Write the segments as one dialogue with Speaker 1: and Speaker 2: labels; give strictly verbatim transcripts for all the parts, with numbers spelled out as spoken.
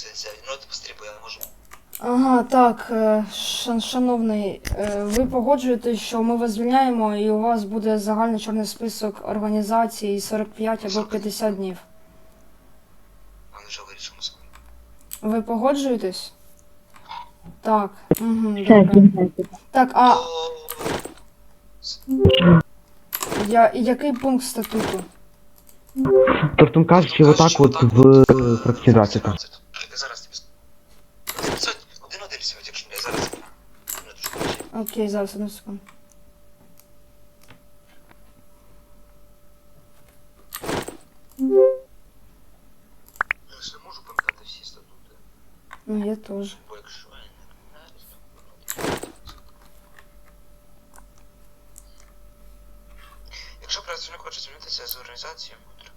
Speaker 1: взяти. Ну от пострібуй, я не можу.
Speaker 2: Ага, так, е, шан- шановний, е, ви погоджуєтесь, що ми вас звільняємо і у вас буде загальний чорний список організацій сорок п'ять або п'ятдесят днів.
Speaker 1: А ми вже вирішимо собі.
Speaker 2: Ви погоджуєтесь? Так, угу,
Speaker 3: Все,
Speaker 2: добре.
Speaker 3: звільняйте.
Speaker 2: Так, а
Speaker 1: О,
Speaker 2: я, який пункт статуту?
Speaker 4: Тобто кажучи, отак от в фракціонації.
Speaker 1: Я зараз тобі скажу. Один-один сьогодні, якщо я зараз. Минуточку.
Speaker 2: Окей, зараз, одну секунду.
Speaker 1: Я ж не можу пам'ятати всі статути.
Speaker 2: Ну, я теж.
Speaker 1: Бо якщо я не знаю, якщо працівник хоче змінитися з організацією,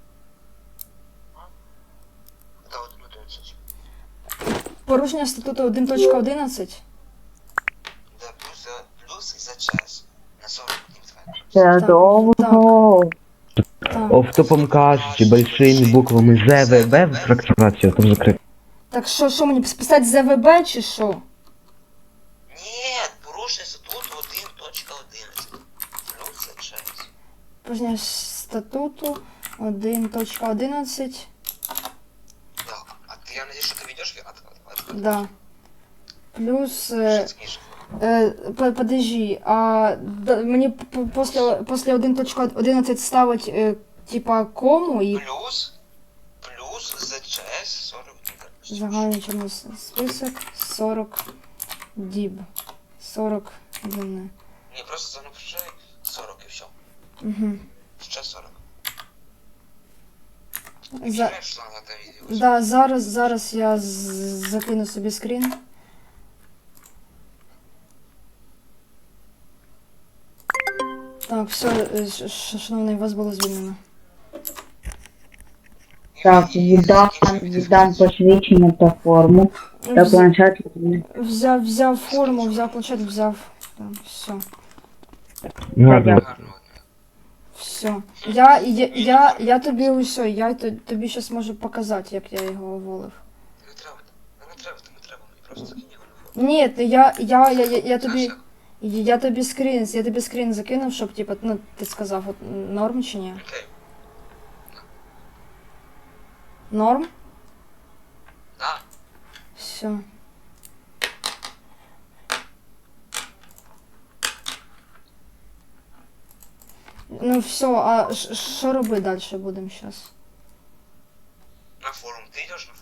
Speaker 1: та один одинадцять.
Speaker 2: Порушення статуту один точка одинадцять?
Speaker 1: Да, плюс за плюс за час. На сорок днів твоя.
Speaker 3: Це
Speaker 2: Так,
Speaker 3: довго.
Speaker 2: Так.
Speaker 4: Автопом кажучи, большими буквами З В Б в фракціонацію, там закрито.
Speaker 2: Так що, що мені писати з В Б чи що?
Speaker 1: Ні, порушення статуту один точка одинадцять. Плюс за час.
Speaker 2: Порушення статуту один точка одинадцять.
Speaker 1: Да. А ты, я надеюсь, что ты ведешь от, от, от,
Speaker 2: Да. Плюс... Е,
Speaker 1: Житские
Speaker 2: е, по- подожди, а да, мені п- після, після один точка одинадцять ставить е, типа кому і
Speaker 1: Плюс, плюс за час сорок дней.
Speaker 2: загальний чорний с- список сорок діб. сорок днів.
Speaker 1: Не, просто занапиши сорок и все.
Speaker 2: Угу.
Speaker 1: Сейчас сорок.
Speaker 2: За...
Speaker 1: Знаешь, что надо это видео?
Speaker 2: Да, зараз, зараз я з- закину собі скрін. Так, все, е, ш- ш- шановний, вас було звільнено.
Speaker 3: Так, віддам, віддам посвідчення та форму. Та
Speaker 2: Вз-
Speaker 3: планшет.
Speaker 2: Взяв, взяв форму, взяв планшет, взяв. Так, все.
Speaker 4: Гарно.
Speaker 1: Гарного дня.
Speaker 2: Все. Я, я, я, я тобі усе, я т- тобі зараз можу показати, як я його уволив.
Speaker 1: Не треба, не треба, не треба, мені просто закинь його на фото.
Speaker 2: Ні, ти- я, я, я, я, я тобі,
Speaker 1: Знаєш,
Speaker 2: я тобі скрін, я тобі скрін закинув, щоб, типа, ну, ти сказав, от, норм чи ні?
Speaker 1: як? Окей.
Speaker 2: Норм?
Speaker 1: Да.
Speaker 2: Все. Ну все, а ш- що робити далі будемо зараз?
Speaker 1: На форум. Ты идешь на форум?